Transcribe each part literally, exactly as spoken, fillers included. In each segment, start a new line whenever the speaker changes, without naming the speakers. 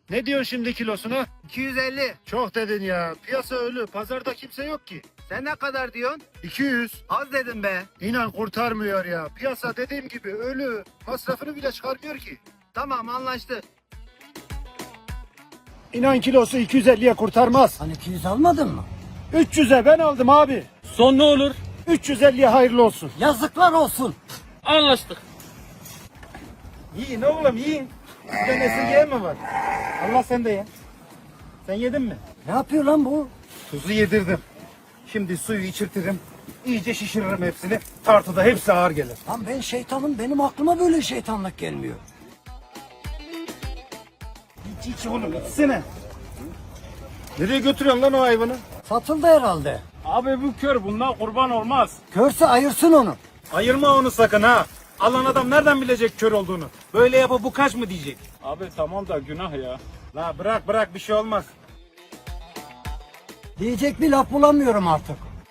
Ne diyorsun şimdi kilosuna?
iki yüz elli.
Çok dedin ya. Piyasa ölü. Pazarda kimse yok ki.
Sen ne kadar diyorsun?
iki yüz.
Az dedim be.
İnan kurtarmıyor ya. Piyasa dediğim gibi ölü. Masrafını bile çıkarmıyor ki.
Tamam, anlaştık.
İnan kilosu iki yüz elliye kurtarmaz.
Hani iki yüz almadın mı?
üç yüze ben aldım abi.
Son ne olur?
üç yüz elliye hayırlı olsun.
Yazıklar olsun.
Anlaştık.
Yiyin oğlum yiyin. Sizde nesirgeyen mi var? Allah sen de ye. Sen yedin mi?
Ne yapıyor lan bu?
Tuzu yedirdim. Şimdi suyu içirtirim. İyice şişiririm hepsini. Tartıda hepsi ağır gelir.
Lan ben şeytanım, benim aklıma böyle şeytanlık gelmiyor.
İç iç oğlum içsene. Nereye götürüyorsun lan o hayvanı?
Satıldı herhalde.
Abi bu kör, bundan kurban olmaz.
Körse ayırsın onu.
Ayırma onu sakın ha. Alan adam nereden bilecek kör olduğunu? Böyle yapıp bu kaç mı diyecek?
Abi tamam da günah ya.
La bırak bırak bir şey olmaz.
Diyecek bir laf bulamıyorum artık.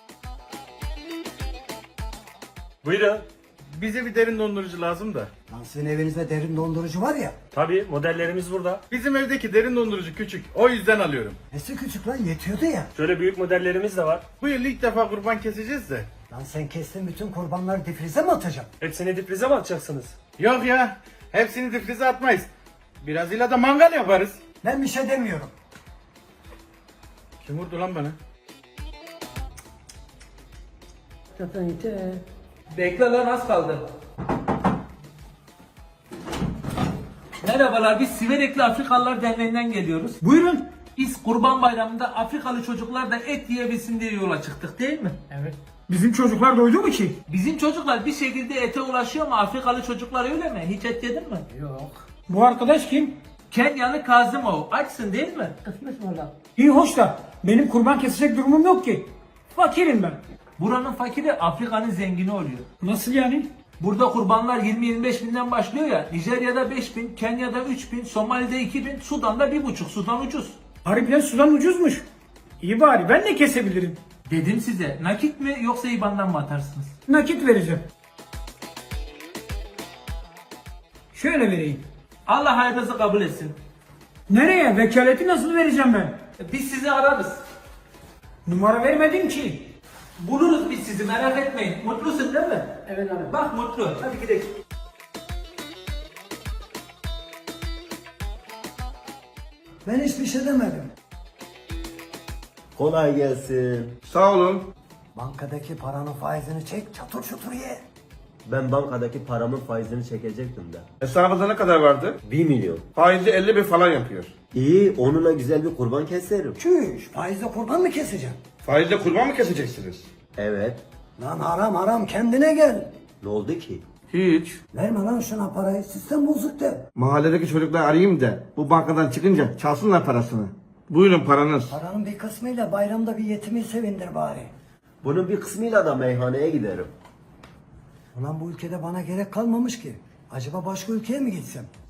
Buyurun.
Bize bir derin dondurucu lazım da.
Lan sizin evinizde derin dondurucu var ya.
Tabii modellerimiz burada.
Bizim evdeki derin dondurucu küçük. O yüzden alıyorum.
Nesi küçük lan, yetiyordu ya.
Şöyle büyük modellerimiz de var.
Bu yıl ilk defa kurban keseceğiz de.
Lan sen kestin bütün kurbanları difrize mi atacaksın?
Hepsini difrize mi atacaksınız?
Yok ya. Hepsini difrize atmayız. Birazıyla da mangal yaparız.
Ben bir şey demiyorum.
Kim vurdu lan bana?
Bekle lan, az kaldı. Merhabalar, biz Siverekli Afrikalılar Derneği'nden geliyoruz.
Buyurun.
Biz Kurban Bayramı'nda Afrikalı çocuklar da et yiyebilsin diye yola çıktık, değil mi? Evet.
Bizim çocuklar doydu mu ki?
Bizim çocuklar bir şekilde ete ulaşıyor ama Afrikalı çocuklar öyle mi? Hiç et yedin mi? Yok.
Bu arkadaş kim?
Kenyalı Kazımov. Açsın değil mi? Kısmet valla.
İyi hoş da benim kurban kesecek durumum yok ki. Fakirim ben.
Buranın fakiri Afrika'nın zengini oluyor.
Nasıl yani?
Burada kurbanlar yirmi yirmi beş binden başlıyor ya. Nijerya'da beş bin, Kenya'da üç bin, Somali'de iki bin, Sudan'da bir buçuk. Sudan ucuz.
Harbiden sudan ucuzmuş. İyi bari ben de kesebilirim.
Dedim size, nakit mi yoksa I B A N'dan mı atarsınız?
Nakit vereceğim. Şöyle vereyim.
Allah hayırınızı kabul etsin.
Nereye? Vekaleti nasıl vereceğim ben?
Biz sizi ararız.
Numara vermedin ki.
Buluruz biz sizi, merak etmeyin. Mutlusun değil mi? Evet abi. Bak mutlu. Hadi gidelim.
Ben hiçbir şey demedim.
Kolay gelsin.
Sağ olun.
Bankadaki paranın faizini çek, çatır çutur ye.
Ben bankadaki paramın faizini çekecektim de.
Hesabınızda ne kadar vardı?
Bir milyon.
Faizi elli bin falan yapıyor.
İyi, onunla güzel bir kurban keserim.
Çüş, faizle kurban mı keseceksin?
Faizle kurban mı keseceksiniz?
Evet.
Lan haram haram, kendine gel.
Ne oldu ki?
Hiç.
Verme lan şuna parayı, sistem bozuk de.
Mahalledeki çocuklar arayayım da bu bankadan çıkınca çalsınlar parasını. Buyurun paranız.
Paranın bir kısmıyla bayramda bir yetimi sevindir bari.
Bunun bir kısmıyla da meyhaneye giderim.
Ulan bu ülkede bana gerek kalmamış ki. Acaba başka ülkeye mi gitsem?